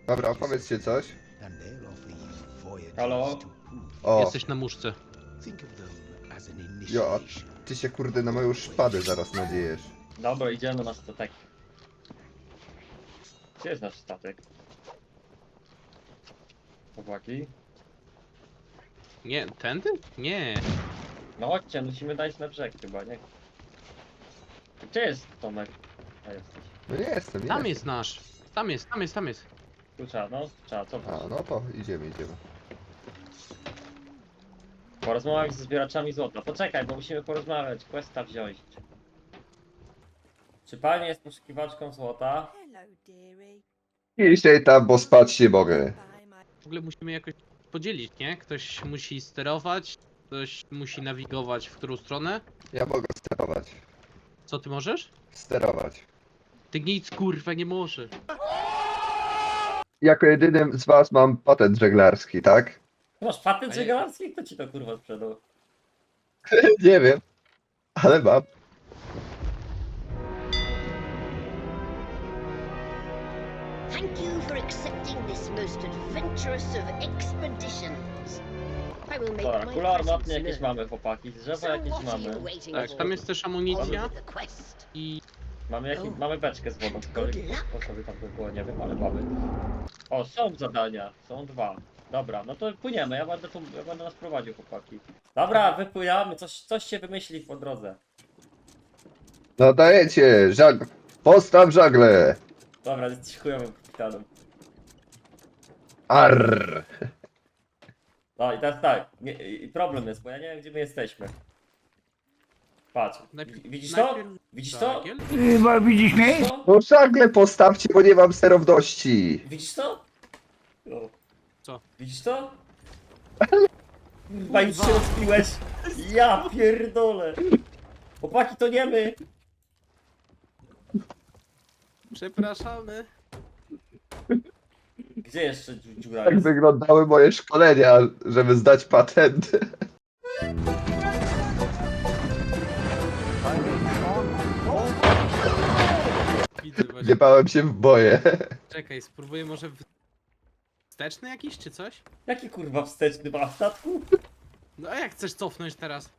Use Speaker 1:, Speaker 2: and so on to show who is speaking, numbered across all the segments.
Speaker 1: Dobra, opowiedzcie coś.
Speaker 2: Halo?
Speaker 1: O,
Speaker 3: Jesteś na muszce.
Speaker 1: jo, a ty się kurde na moją szpadę zaraz nadziejesz.
Speaker 2: Dobra, idziemy na statek. Gdzie jest nasz statek? Chłopaki?
Speaker 3: Nie, tędy? Nie.
Speaker 2: No chodźcie, musimy dać na brzeg chyba, nie? Gdzie jest Tomek? A jesteś.
Speaker 1: No nie jestem, nie
Speaker 3: Tam
Speaker 1: jestem.
Speaker 3: jest nasz. Tam jest.
Speaker 2: Tu trzeba, no, trzeba, co?
Speaker 1: A, no to idziemy.
Speaker 2: Porozmawiam ze zbieraczami złota. Poczekaj, bo musimy porozmawiać, questa wziąć. Czy pani jest poszukiwaczką złota?
Speaker 4: Hello, dearie.
Speaker 1: Dzisiaj tam, bo spać nie mogę.
Speaker 4: Bye, my
Speaker 3: W ogóle musimy jakoś podzielić, nie? Ktoś musi sterować, ktoś musi nawigować w którą stronę.
Speaker 1: Ja mogę sterować.
Speaker 3: Co ty możesz?
Speaker 1: Sterować.
Speaker 3: Ty nic kurwa nie możesz.
Speaker 1: Jako jedynym z was mam patent żeglarski, tak?
Speaker 2: Masz patent
Speaker 3: A ja-
Speaker 2: żeglarski? Kto ci to kurwa sprzedał?
Speaker 1: Nie wiem, ale mam.
Speaker 5: Thank you for accepting this most adventurous of expeditions. I will make
Speaker 2: Dobra,
Speaker 5: my
Speaker 2: kula armatnie
Speaker 5: presence
Speaker 2: jakieś
Speaker 5: known.
Speaker 2: mamy, chłopaki. Drzewa
Speaker 5: So
Speaker 2: jakieś
Speaker 5: what are you
Speaker 2: mamy.
Speaker 5: waiting
Speaker 3: Tak,
Speaker 5: for?
Speaker 3: tam jest też
Speaker 5: On
Speaker 3: amunicja
Speaker 5: with the quest.
Speaker 3: i...
Speaker 2: Mamy beczkę z wodą, tylko
Speaker 5: Good luck.
Speaker 2: po sobie tam by było, nie wiem, ale mamy. O, są zadania, są dwa. Dobra, no to płyniemy, ja będę nas prowadził, chłopaki. Dobra, wypływamy, coś się wymyśli po drodze.
Speaker 1: No dajecie, postaw żagle.
Speaker 2: Dobra, jesteś chujowym kapitanem.
Speaker 1: Arr.
Speaker 2: No i teraz tak, i problem jest, bo ja nie wiem gdzie my jesteśmy. Patrz, widzisz to? Widzisz to?
Speaker 3: Żagiel?
Speaker 2: Widzisz to?
Speaker 1: No żagle postawcie, bo nie mam sterowności.
Speaker 2: Widzisz to? O.
Speaker 3: Co?
Speaker 2: Widzisz to? Chyba już się rozpiłeś. Ja pierdolę. Chłopaki, to nie my.
Speaker 3: Przepraszamy.
Speaker 2: Gdzie jeszcze dziura
Speaker 1: Tak
Speaker 2: jest?
Speaker 1: wyglądały moje szkolenia, żeby zdać patent.
Speaker 3: Widzę właśnie.
Speaker 1: Nie bałem się w boje.
Speaker 3: Czekaj, spróbuję może wsteczny jakiś czy coś?
Speaker 2: Jaki kurwa wsteczny ma statku?
Speaker 3: No a jak chcesz cofnąć teraz?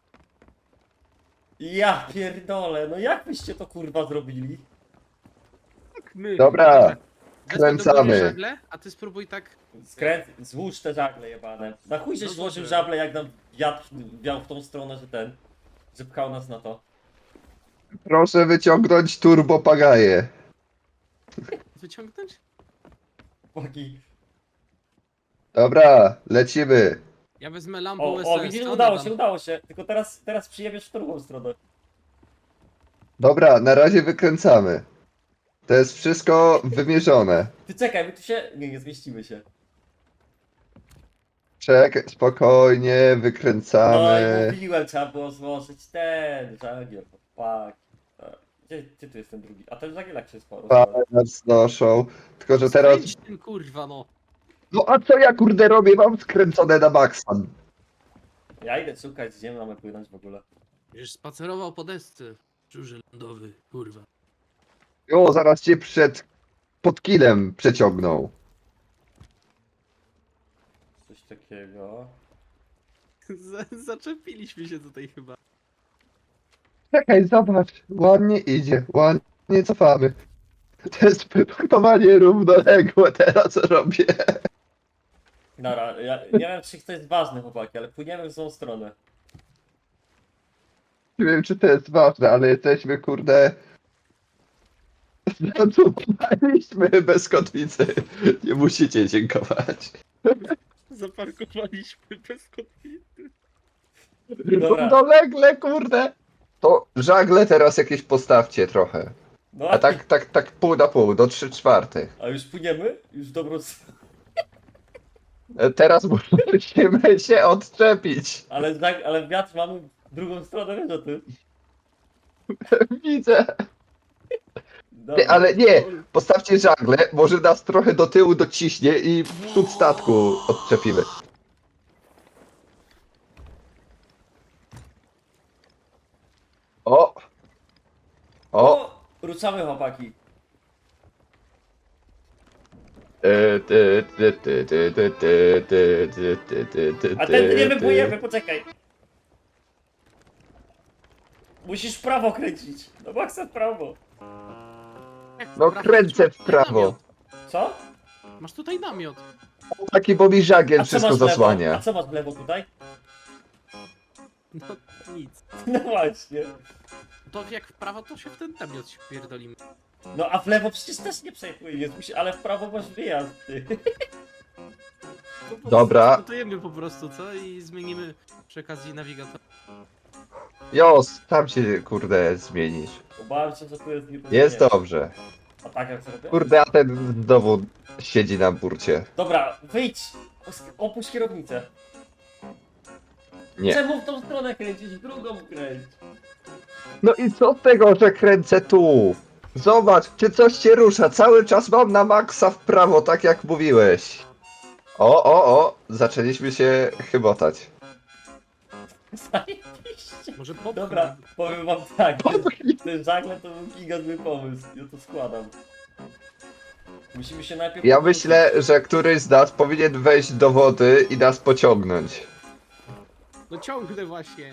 Speaker 2: Ja pierdolę, no jak byście to kurwa zrobili?
Speaker 3: My.
Speaker 1: Dobra,
Speaker 3: Wezmę do
Speaker 1: kręcamy.
Speaker 3: góry żagle, a ty spróbuj tak...
Speaker 2: Złóż te żagle jebane. Na chuj żeś
Speaker 3: No
Speaker 2: złożył
Speaker 3: dobrze.
Speaker 2: żagle, jak nam wiatr wiał w tą stronę, że pchał nas na to.
Speaker 1: Proszę wyciągnąć turbopagaje.
Speaker 3: Wyciągnąć?
Speaker 2: Chłopaki.
Speaker 1: Dobra, lecimy.
Speaker 3: Ja wezmę lampę
Speaker 2: O,
Speaker 3: USS.
Speaker 2: widzisz,
Speaker 3: co
Speaker 2: udało
Speaker 3: dodam?
Speaker 2: się, udało się. Tylko teraz przyjebiesz w drugą stronę.
Speaker 1: Dobra, na razie wykręcamy. To jest wszystko wymierzone.
Speaker 2: Ty czekaj, my tu się... Nie zmieścimy się.
Speaker 1: Czekaj, spokojnie,
Speaker 2: No i
Speaker 1: wykręcamy.
Speaker 2: mówiłem, trzeba było złożyć ten żagiel, chłopaki. Gdzie tu jest ten drugi? A ten żagiel jak się sporo.
Speaker 1: Fajne nas znoszą. Tylko, że teraz...
Speaker 3: Skręć tym kurwa no.
Speaker 1: No a co ja kurde robię? Mam skręcone na maksa.
Speaker 2: Ja idę szukać, gdzie mamy płynąć w ogóle.
Speaker 3: Już spacerował po desce. Żurze lądowy, kurwa.
Speaker 1: O, zaraz cię pod kilem przeciągną.
Speaker 2: Coś takiego.
Speaker 3: Zaczepiliśmy się tutaj chyba.
Speaker 1: Czekaj, zobacz. Ładnie idzie, ładnie cofamy. To jest pływanie równoległe teraz robię.
Speaker 2: Dobra, ja nie wiem czy to jest ważne, chłopaki, ale płyniemy w złą stronę.
Speaker 1: Nie wiem, czy to jest ważne, ale jesteśmy kurde... Zatrzymaliśmy bez kotwicy. Nie musicie dziękować.
Speaker 3: Zaparkowaliśmy bez kotwity.
Speaker 2: Dobra.
Speaker 1: Równolegle, kurde. To żagle teraz jakieś postawcie trochę.
Speaker 2: No
Speaker 1: A tak pół na pół, do 3/4.
Speaker 2: A już płyniemy? Już w dobrą stronę.
Speaker 1: Teraz musimy się odczepić.
Speaker 2: Ale wiatr mamy w drugą stronę, wiesz o tym?
Speaker 1: Widzę.
Speaker 2: Dobra.
Speaker 1: Ale nie, postawcie żagle, może nas trochę do tyłu dociśnie i przód statku odczepimy. O! O!
Speaker 2: O! Ruszamy, chłopaki. A ten nie wypłyniemy, poczekaj. Musisz w prawo kręcić. No maksa w prawo.
Speaker 1: No kręcę w prawo.
Speaker 2: Co?
Speaker 3: Masz tutaj namiot.
Speaker 1: Taki Bobby żagiel
Speaker 2: A co
Speaker 1: wszystko
Speaker 2: masz w lewo? A
Speaker 1: zasłania.
Speaker 2: co masz w lewo tutaj?
Speaker 3: No nic.
Speaker 2: No właśnie.
Speaker 3: To jak w prawo, to się w ten namiot się pierdolimy.
Speaker 2: No a w lewo przecież też nie przejmujesz, ale w prawo masz wyjazd, ty.
Speaker 1: Dobra.
Speaker 3: Gotujemy po prostu, co? I zmienimy przy okazji nawigator.
Speaker 1: Jos, tam się kurde zmienisz.
Speaker 2: Obawiam się, że tu jest nieporozumienie.
Speaker 1: Jest dobrze.
Speaker 2: A tak jak zrobię?
Speaker 1: Kurde, a ten znowu siedzi na burcie.
Speaker 2: Dobra, wyjdź! Opuść kierownicę.
Speaker 1: Nie.
Speaker 2: Czemu w tą stronę kręcić? W drugą kręć.
Speaker 1: No i co z tego, że kręcę tu? Zobacz, czy coś się rusza. Cały czas mam na maksa w prawo, tak jak mówiłeś. O, zaczęliśmy się chybotać.
Speaker 2: Zajebiście.
Speaker 3: Może popchnij.
Speaker 2: Dobra, powiem wam tak. Ten żagle to był gigantyczny pomysł. Ja to składam. Musimy się najpierw...
Speaker 1: Ja myślę, że któryś z nas powinien wejść do wody i nas pociągnąć.
Speaker 3: No ciągnę właśnie.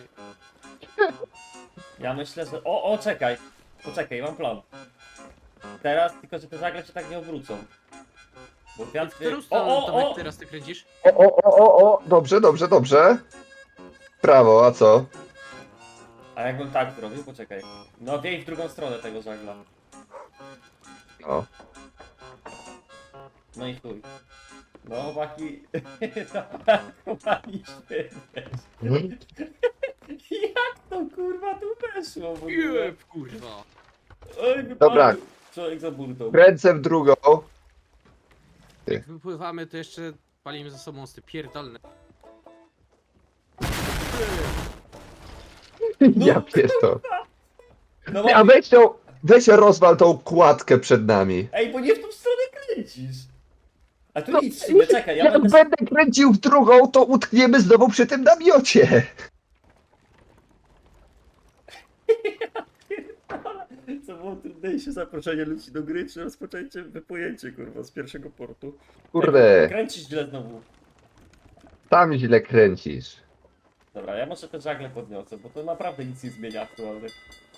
Speaker 2: Ja myślę, że... O, czekaj. Poczekaj, mam plan. Teraz, tylko że te żagle się tak nie obrócą. Bo
Speaker 3: W
Speaker 2: wiatr...
Speaker 3: którą stronę, Tomek, teraz ty kręcisz?
Speaker 1: O, dobrze. Prawo, a co?
Speaker 2: A jakbym tak zrobił? Poczekaj. No wiej w drugą stronę tego żagla.
Speaker 1: O.
Speaker 2: No i chuj. No chłopaki... Chłopaki świetnie. Jak to kurwa tu weszło w ogóle?
Speaker 3: Jeb, kurwa.
Speaker 2: Oj, wypadł.
Speaker 1: Dobra.
Speaker 2: Człowiek za burtą.
Speaker 1: Kręcę w drugą.
Speaker 3: Jak wypływamy, to jeszcze palimy ze sobą sty pierdolne.
Speaker 1: Ja pierdolę.
Speaker 2: No
Speaker 1: A
Speaker 2: bo...
Speaker 1: weź rozwal tą kładkę przed nami.
Speaker 2: Ej, bo nie w tą stronę kręcisz. A tu
Speaker 1: No,
Speaker 2: nic, w sumie, czekaj, ja
Speaker 1: Jak
Speaker 2: będę...
Speaker 1: będę kręcił w drugą, to utkniemy znowu przy tym namiocie.
Speaker 2: Co było trudniejsze, zaproszenie ludzi do gry, czy rozpoczęcie, wypłynięcie, kurwa, z pierwszego portu?
Speaker 1: Kurde,
Speaker 2: Kręcisz źle znowu.
Speaker 1: tam źle kręcisz.
Speaker 2: Dobra, ja może te żagle podniosę, bo to naprawdę nic nie zmienia aktualnie.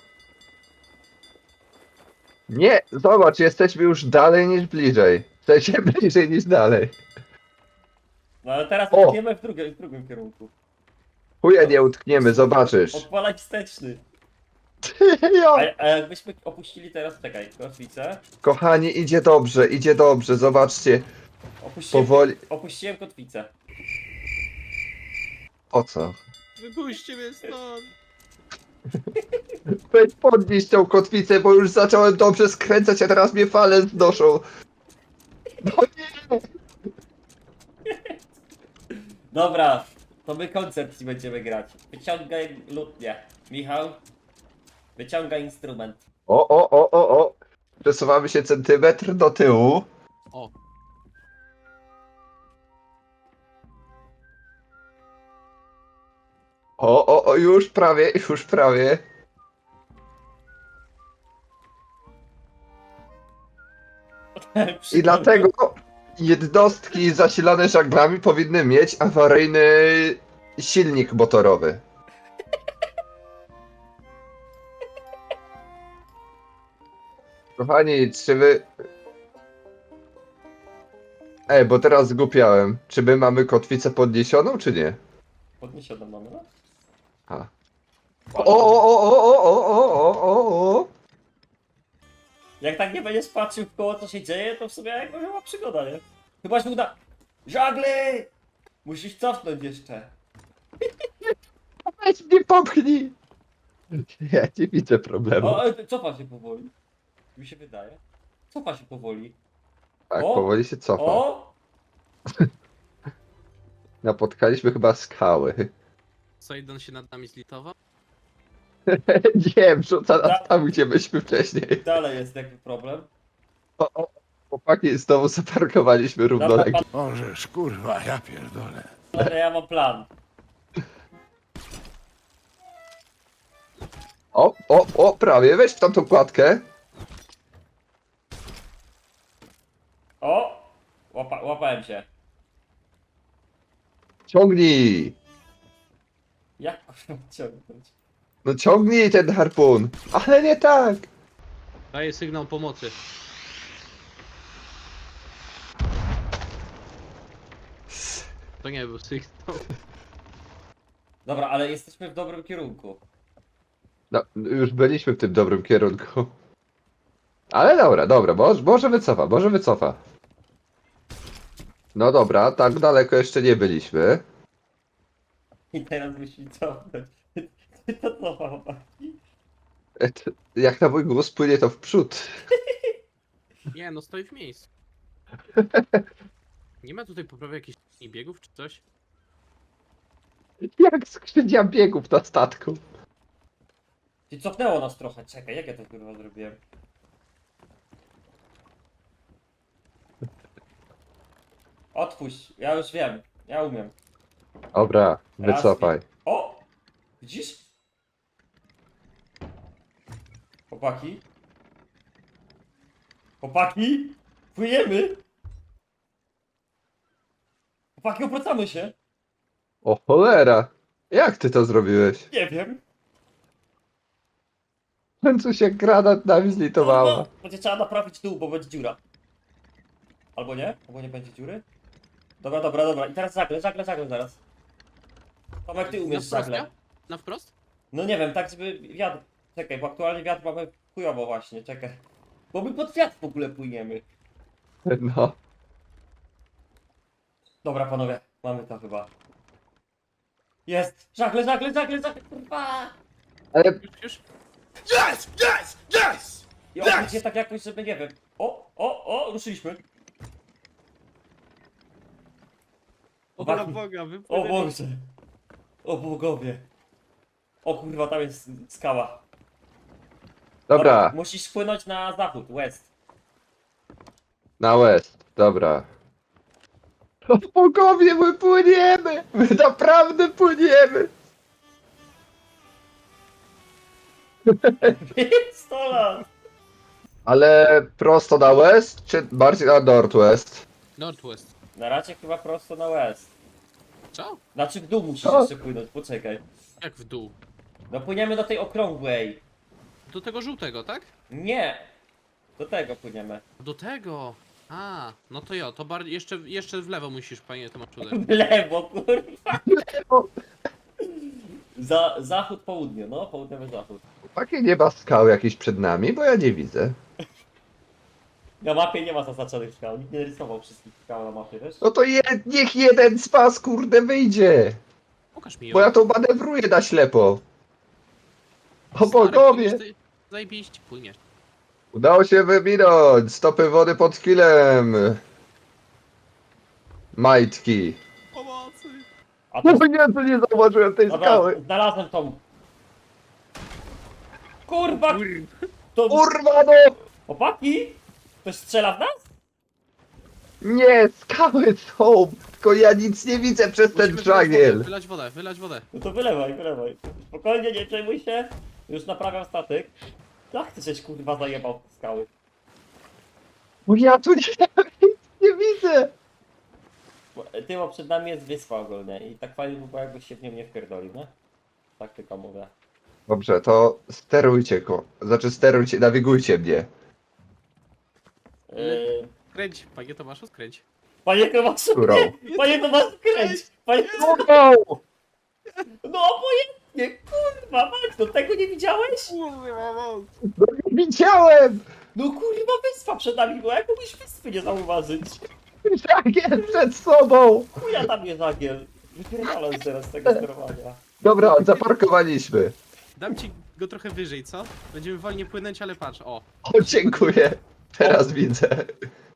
Speaker 1: Nie, zobacz, jesteśmy już dalej niż bliżej. W sensie bliżej niż dalej.
Speaker 2: No ale teraz
Speaker 1: O!
Speaker 2: utkniemy w drugim kierunku.
Speaker 1: Chuja nie utkniemy, zobaczysz.
Speaker 2: Odpalać wsteczny.
Speaker 1: Jo.
Speaker 2: A jakbyśmy opuścili teraz, czekaj, kotwicę.
Speaker 1: Kochani, idzie dobrze, zobaczcie. Powoli.
Speaker 2: Opuściłem kotwicę.
Speaker 1: O co?
Speaker 3: Wypuśćcie mnie stąd.
Speaker 1: Weź podnieś tą kotwicę, bo już zacząłem dobrze skręcać, a teraz mnie fale znoszą. No nie.
Speaker 2: Dobra, to my koncert ci będziemy grać. Wyciągaj lutnię. Michał, wyciągaj instrument.
Speaker 1: O. Przesuwamy się centymetr do tyłu.
Speaker 3: O.
Speaker 1: O, już prawie. I dlatego jednostki zasilane żaglami powinny mieć awaryjny silnik motorowy. Kochani, czy wy... bo teraz zgłupiałem. Czy my mamy kotwicę podniesioną, czy nie?
Speaker 2: Podniesiono mamy, no?
Speaker 1: A. O.
Speaker 2: Jak tak nie będziesz patrzył w koło, co się dzieje, to w sumie jak była przygoda, nie? Chyba się uda... Żagle! Musisz cofnąć jeszcze.
Speaker 1: Weź mnie popchnij! Ja nie widzę problemu.
Speaker 2: O, cofa się powoli. Mi się wydaje. Cofa się powoli.
Speaker 1: Tak,
Speaker 2: o.
Speaker 1: powoli się cofa.
Speaker 2: O!
Speaker 1: Napotkaliśmy chyba skały.
Speaker 3: Sajdon się nad nami zlitował.
Speaker 1: Nie, wrzuca nas tam, gdzie byliśmy wcześniej.
Speaker 2: Dalej jest jakby problem.
Speaker 1: O, chłopaki, znowu zaparkowaliśmy
Speaker 2: Dobra,
Speaker 1: równolegle.
Speaker 4: Możesz, kurwa, ja pierdolę.
Speaker 2: ale ja mam plan.
Speaker 1: O, prawie, weź w tamtą kładkę.
Speaker 2: O! Łapałem się.
Speaker 1: Ciągnij!
Speaker 2: Jak kurwa ciągnąć?
Speaker 1: No ciągnij ten harpun! Ale nie tak!
Speaker 3: Daję sygnał pomocy. To nie był sygnał.
Speaker 2: Dobra, ale jesteśmy w dobrym kierunku.
Speaker 1: No, już byliśmy w tym dobrym kierunku. Ale dobra, może wycofa, może wycofa. No dobra, tak daleko jeszcze nie byliśmy.
Speaker 2: I teraz musi cofnąć. To co, chłopaki?
Speaker 1: Jak na mój głos płynie to w przód.
Speaker 3: Nie, no stoi w miejscu. Nie ma tutaj poprawy jakichś biegów czy coś?
Speaker 1: Jak skrzynia biegów na statku.
Speaker 2: Ty cofnęło nas trochę, czekaj, jak ja to kurwa zrobiłem? Otwórz, ja już wiem, ja umiem.
Speaker 1: Dobra,
Speaker 2: Raz,
Speaker 1: wycofaj.
Speaker 2: O! Widzisz? Chłopaki? Chłopaki? Płyjemy! Chłopaki, obracamy się!
Speaker 1: O cholera! Jak ty to zrobiłeś?
Speaker 2: Nie wiem.
Speaker 1: W końcu się granat nami zlitowała.
Speaker 2: Kurwa, będzie trzeba naprawić dół, bo będzie dziura. Albo nie? Albo nie będzie dziury? Dobra. I teraz żagle zaraz. Tomek, ty umiesz
Speaker 3: wprost,
Speaker 2: żagle.
Speaker 3: nie? Na wprost?
Speaker 2: No nie wiem, tak żeby wiatr... Czekaj, bo aktualnie wiatr mamy chujowo właśnie, czekaj. Bo my pod wiatr w ogóle płyniemy.
Speaker 1: No.
Speaker 2: Dobra panowie, mamy to chyba. Jest! Żagle, kurwa!
Speaker 1: Ale
Speaker 3: Już?
Speaker 4: Yes! Yes! Yes!
Speaker 2: I obróć je tak jakoś, żeby nie wiem. O, ruszyliśmy.
Speaker 3: O
Speaker 2: Chłopaki.
Speaker 3: Boga,
Speaker 2: O
Speaker 3: wypłynęli.
Speaker 2: Boże. O bogowie. O kurwa, tam jest skała.
Speaker 1: dobra,
Speaker 2: Musisz płynąć na zachód, west.
Speaker 1: na west, dobra. O bogowie, my płyniemy! My naprawdę płyniemy!
Speaker 2: 100 lat.
Speaker 1: Ale prosto na west, czy bardziej na northwest?
Speaker 3: Northwest.
Speaker 2: Na razie chyba prosto na west.
Speaker 3: Co?
Speaker 2: Znaczy w dół musisz
Speaker 1: Co?
Speaker 2: jeszcze płynąć, poczekaj.
Speaker 3: Jak w dół?
Speaker 2: No płyniemy do tej okrągłej.
Speaker 3: Do tego żółtego, tak?
Speaker 2: Nie. Do tego płyniemy.
Speaker 3: Do tego! A, no to jo, to bardziej jeszcze w lewo musisz, panie Tomaszu. uderzyć.
Speaker 2: W lewo, kurwa. Zachód, południe, no, południowy zachód.
Speaker 1: Takie nie ma skał jakiś przed nami, bo ja nie widzę.
Speaker 2: Na mapie nie ma zaznaczonych skał, nikt nie rysował wszystkich skał na mapie, wiesz?
Speaker 1: No to niech jeden z was kurde wyjdzie.
Speaker 3: Pokaż mi ją.
Speaker 1: Bo ja to manewruję na ślepo. O
Speaker 3: Stary,
Speaker 1: bogowie!
Speaker 3: płyniesz, zajebiście, płyniesz.
Speaker 1: Udało się wywinąć! Stopy wody pod kilem! Majtki.
Speaker 3: Pomocy!
Speaker 2: A to...
Speaker 1: No nie, to nie zauważyłem tej
Speaker 2: Dobra,
Speaker 1: skały.
Speaker 2: znalazłem tą... Kurwa!
Speaker 3: Kur...
Speaker 2: To...
Speaker 1: Kurwa no!
Speaker 2: Chłopaki? Ktoś strzela w nas?
Speaker 1: Nie, skały są! Tylko ja nic nie widzę przez ten
Speaker 3: Musimy
Speaker 1: żagiel.
Speaker 3: wylać wodę.
Speaker 2: No to wylewaj. Spokojnie, nie przejmuj się. Już naprawiam statek. Jak ty żeś kurwa zajebał te skały?
Speaker 1: Bo ja tu nie widzę.
Speaker 2: Bo przed nami jest wyspa ogólnie i tak fajnie by było jakbyś się w nią nie wpierdolił, nie? Tak tylko mówię.
Speaker 1: Dobrze, to sterujcie go. Znaczy sterujcie, nawigujcie mnie.
Speaker 3: Skręć, panie Tomaszu, skręć.
Speaker 2: Panie Tomaszu,
Speaker 1: Którą?
Speaker 2: nie! Panie Tomaszu, kręć! Panie...
Speaker 1: Kurwa!
Speaker 2: No obojętnie, kurwa, Max, do tego nie widziałeś?
Speaker 1: No nie widziałem!
Speaker 2: No kurwa, wyspa przed nami była, jak mógłbyś wyspy nie zauważyć?
Speaker 1: Żagiel przed sobą!
Speaker 2: Chuja tam jest żagiel. Wypierdalam teraz z tego sterowania.
Speaker 1: Dobra, zaparkowaliśmy.
Speaker 3: Dam ci go trochę wyżej, co? Będziemy wolniej płynąć, ale patrz, o.
Speaker 1: O, dziękuję. Teraz widzę.